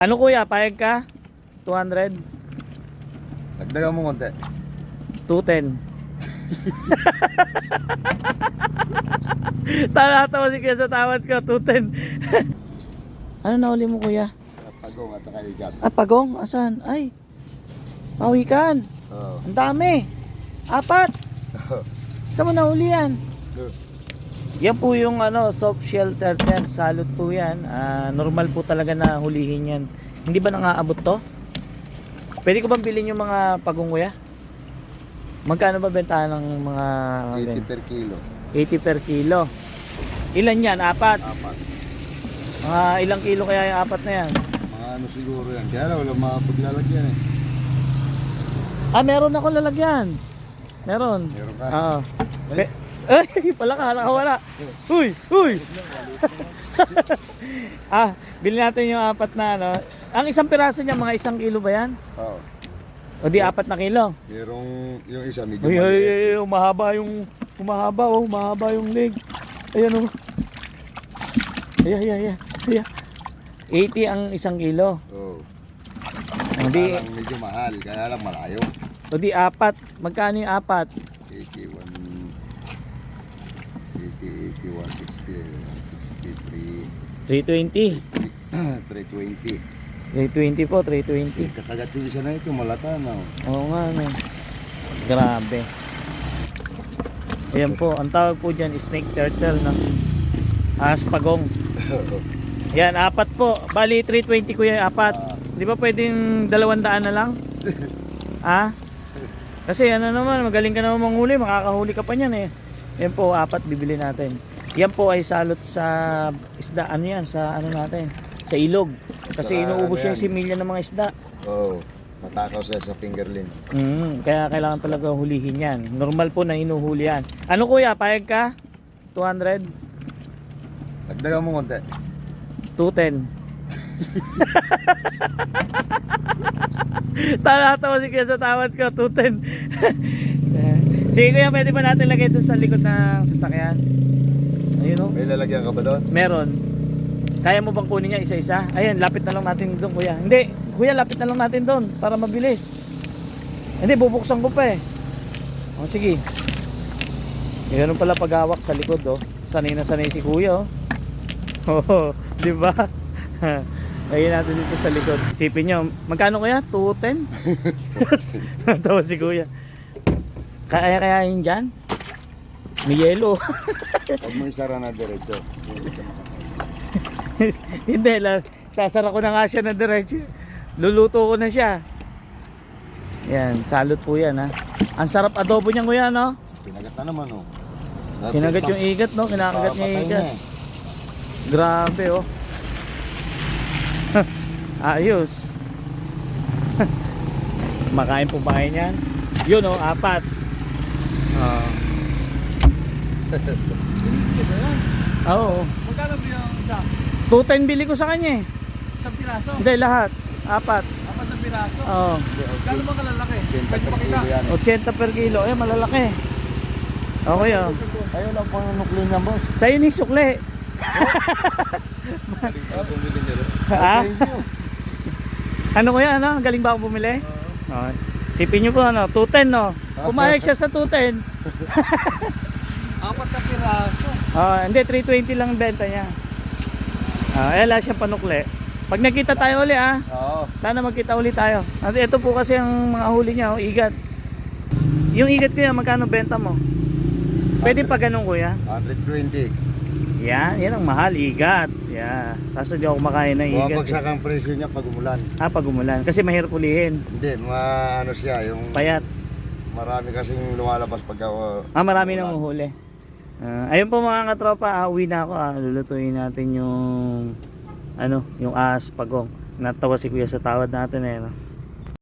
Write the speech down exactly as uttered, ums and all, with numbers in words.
Ano kuya, payag ka? two hundred? Dagdagan mo konti. two ten. Tatawa si kuya sa tawad ko, two ten. Ano nahuli mo kuya? Pagong at saka igat. Ah, pagong? Asan? Ay, pawikan. Oo. Ang dami. Apat. Saan mo nahuli yan? Yan po yung ano, soft shell turtle. Salot po yan. Ah, normal po talaga na hulihin yan. Hindi ba nangaabot to? Pwede ko bang bilhin yung mga pagong kuya? Magkano ba bentahan ng mga eighty per kilo. eighty per kilo. Ilan yan? Apat? Apat. Mga ilang kilo kaya yung apat na yan? Mga ano siguro yan. Kaya lang wala mapaglalagyan eh. Ah, meron ako lalagyan. Meron. Meron ka? Oo. Ay. Pe- Ay, pala ka, nakawala. Uy, uy. Ah, bilhin natin yung apat na ano. Ang isang piraso niya, mga isang kilo ba yan? Oo. O di apat na kilo? Merong yung isa medyo Uy, uy, maliit. uy, uy, umahaba yung, umahaba oh, umahaba yung leg. Ayan oh. Ayan, ayan, ayan. Ayan. eighty ang isang kilo. Oo. O di, Kaya lang medyo mahal. Kaya lang malayo. o di apat. Magkano yung apat? eighty-one, eighty, eighty, one sixty, one sixty-three, three twenty. three twenty. three twenty po, three twenty. Kakagat yung isa na ito, malata na. Oo nga, no. Grabe. Ayan po, ang tawag po dyan, snake turtle, no? Aspagong. Yan, apat po. Bali, three twenty ko yung apat. Di ba pwedeng dalawang daan na lang? Ha? Kasi ano naman, magaling ka naman manghuli, makakahuli ka pa niyan eh. Yan po, apat bibili natin. Yan po ay salot sa isda, ano yan, sa ano natin, sa ilog. Kasi Saka inuubos ano yung yan? similya ng mga isda. Oo. Matakaw siya sa fingerling. Mm, kaya kailangan talaga hulihin yan. Normal po na inuhuli yan. Ano kuya, payag ka? two hundred? Dagdagan mo konti. two ten. Tatawa si kuya sa tawad ko, two ten. Sige kuya, pwede ba natin lagay ito sa likod ng sasakyan? Ayun o. May lalagyan ka ba doon? Meron. Kaya mo bang kunin niya isa-isa? Ayan, lapit na lang natin doon kuya. Hindi, kuya, lapit na lang natin doon para mabilis. Hindi, bubuksan ko pa eh. O sige. E, ganun pala paghawak sa likod oh. Sanay na sanay si kuya oh. Oo, di ba? Lagyan natin dito sa likod. Isipin nyo, magkano kuya? two ten? Tawa si kuya. Kaya kaya yun dyan? May yelo. Huwag mo isara na diretso. Hindi lang, sasara ko na nga siya na diretso. Luluto ko na siya. Yan, salot po yan ha. Ang sarap adobo niyan kuya no? Pinagat na naman oh. Kinagat yung igat no? Kinakagat niya yung igat. Grabe oh. Ayos. Makain po ba kayo yan? Yun oh, apat. Ah. Oo. Magkano ba yung isa? two ten bili ko sa kanya eh. Isang piraso? Hindi, lahat. Apat. Apat na piraso? Oo. Gano'n ba kalalaki? Kenta Pwede per makita. kilo yan. eighty per kilo. Eh, malalaki. Okay oh. Ayaw lang pang nuklin yan boss. Sa'yo ni sukle. Ha? Thank you. Ano kuya, ano? Galing ba ako bumili? Oo. Sipin nyo po, ano? two ten, no? Pumayag siya sa two ten. Apat na piraso. Oh, hindi, three twenty lang benta niya. Ah, eh, wala siyang panukli. Pag nakita tayo uli, ah. Oo. Sana magkita uli tayo. At ito po kasi ang mga huli niya, oh, igat. Yung igat kuya, magkano benta mo? Pwede pa ganun kuya? one twenty. Yan, yan ang mahal, igat. Yeah. Kaso di ako makain ng igat. Bumabagsak ang presyo niya pag umulan. Ah, pag umulan. Kasi mahirap ulihin. Hindi, mga ano siya, yung Payat. marami kasing lumalabas pag uh, Ah, marami nang uhuli. Ah, ayun po mga katropa, ah, uwi na ako. Ah. Lulutuin natin yung ano, yung aspagong. Natawa si kuya sa tawad natin eh. No?